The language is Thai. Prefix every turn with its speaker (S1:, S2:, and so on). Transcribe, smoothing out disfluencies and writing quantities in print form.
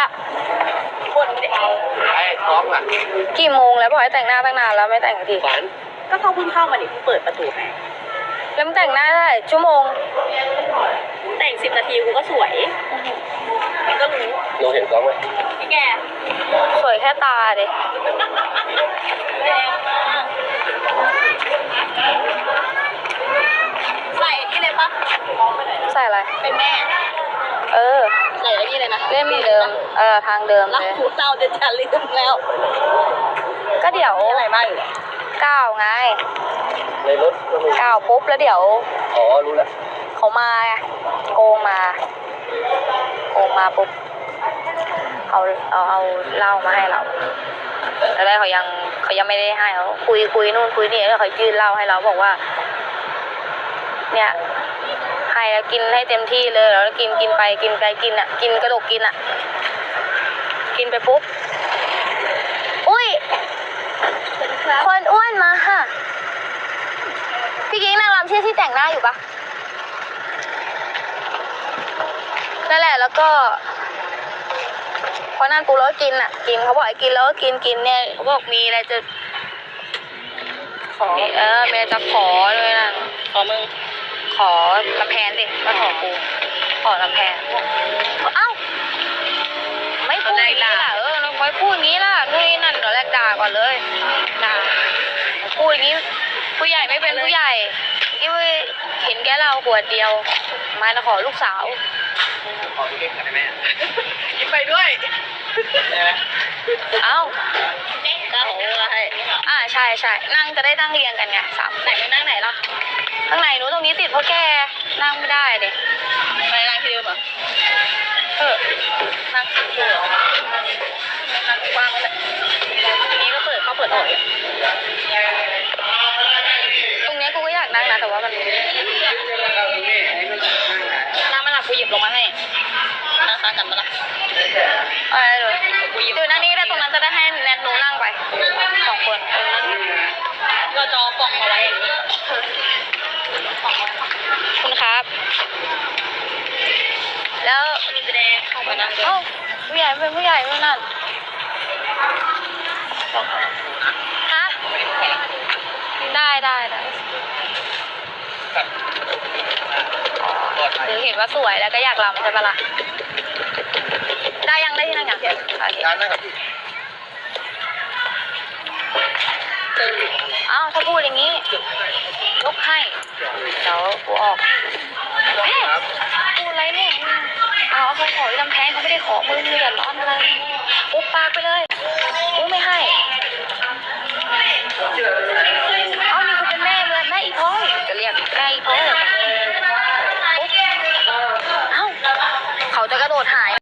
S1: ละ
S2: คนเด็กไอ้ก๊อฟอ่ะ
S1: กี่โมงแล้วบอกให้แต่งหน้าตั้งนานแล้วไม่แต่งที
S2: ก็เขาเพิ่งเข้ามาดิเปิดประตูให้
S1: แล้วมันแต่งหน้าได้ชั่วโมง
S2: แต่ง10 นาทีกูก็สวยก็รู้เราเห็นก๊อฟไหมพี่แก
S1: สวยแค่ตาเด็
S2: แรงมากใส่ที่เลยปะ
S1: ใส่อะไร
S2: เป็นแม่ใส่อะไรนี่เลยนะ
S1: เล่มเดิมทางเดิมเลย
S2: หูเศร้าจะลืมแล้ว
S1: ก็เดี๋ยว
S2: อะไรบ้างอยู่
S1: ก้าวไง
S2: ในรถ
S1: ก้าวปุ๊บแล้วเดี๋ยว
S2: รู้แล้ว
S1: เขามาโกงมาปุ๊บเอาเหล้ามาให้เราแต่แรกเขายังไม่ได้ให้เขาคุยนู่นคุยนี่แล้วเขายื่นเหล้าให้เราบอกว่าเนี่ยให้แล้วกินให้เต็มที่เลยแล้วกินไปกินอ่ะกินกระดกกินอ่ะกินไปปุ๊บอุ้ยคนอ้วนมาค่ะพี่กิ๊กนางรำที่แต่งหน้าอยู่ปะนั่นแหละแล้วก็พอนั่นปูแล้วกินอ่ะกินเขาบอกให้กินแล้วก็กินเนี่ยเขาบอกมีอะไรจะขอมีอะไรจะขอเลยนะ
S2: ขอมึง
S1: ขอลำแพนสิมาขอกูขอลำแพนเอ้าไม่พูดอย่างนี้ล่ะไม่พูดอย่างนี้ล่ะนู่นนี่นั่นเดี๋ยวแรกด่าก่อนเลยด่าพูดอย่างนี้ผู้ใหญ่ไม่เป็นผู้ใหญ่ที่เห็นแกเราขวดเดียวมาขอลูกสาว
S2: ขอพี่เก่งกันได้ไหมยิ้มไปด้วย
S1: เอ้า
S2: ก็โอ้อะไร
S1: ใช่นั่งจะได้นั่งเรียงกันไง
S2: ไหนไม่นั่งไหนล่ะ
S1: ข้างในนู้นตรงนี้ติดเพราะแกนั่งไม่ได้เด็ก
S2: ไปนั่งที่เดิมอ่ะนั่งที่เดิมนั่งกว้างเลยทีนี้ก็เปิดออกตรง
S1: นี้กูก็อยากนั่งนะแต่ว่ามัน
S2: นั่งไม่หลับกูหยิบลงมาให้นั่งซ้ากันมาละ
S1: เลยเดี๋ยวนั่งนี่ได้ตรงนั้นจะได้ให้แนทหนูนั่งไป2 คน
S2: เราจอปล่องมาไว้
S1: คุณครับแล้ว
S2: มีแสดงเข้ามานั่ง
S1: ผู้ใหญ่เป็นผู้ใหญ่เมื่อนั้นฮะได้หรือเห็นว่าสวยแล้วก็อยากรำใช่ปะล่ะได้ยังได้ที่นั่งอย่างเดียวถ้าพูดอย่างนี้ยกให้เดี๋ยวกูออกพูดอะไรเนี่ยเขาขอลำแพงเขาไม่ได้ขอมือเดือดร้อนอะไรปุ๊บปากไปเลยกูไม่ให้นี่กูเป็นแม่เลยแม่อีพ้อยจะเรียกแม่อีพ้อยปุ๊บเขาจะกระโดดหาย